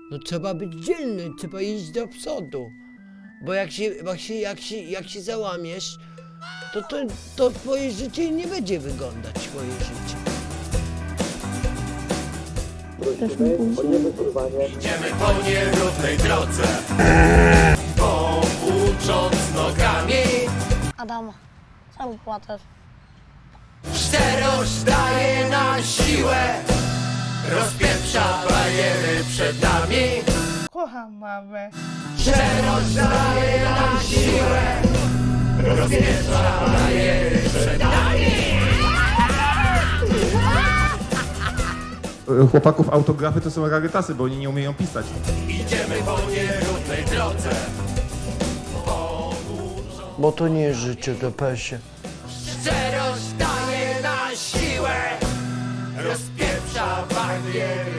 No trzeba być dzielny, trzeba iść do przodu. Bo jak się załamiesz, to twoje życie nie będzie wyglądać twoje życie. Idziemy po nierównej drodze, poucząc nogami. Adam, czemu płaczesz? Szczerość daje na siłę, rozpieprza bariery przed nami. Kocham mamę. Szczerość daje na siłę, rozpieprza bariery przed nami. Chłopaków autografy to są rarytasy, bo oni nie umieją pisać. Idziemy po nierównej drodze, Bo to nie jest życie, to pesie. szczerość daje na siłę, rozpieprza bariery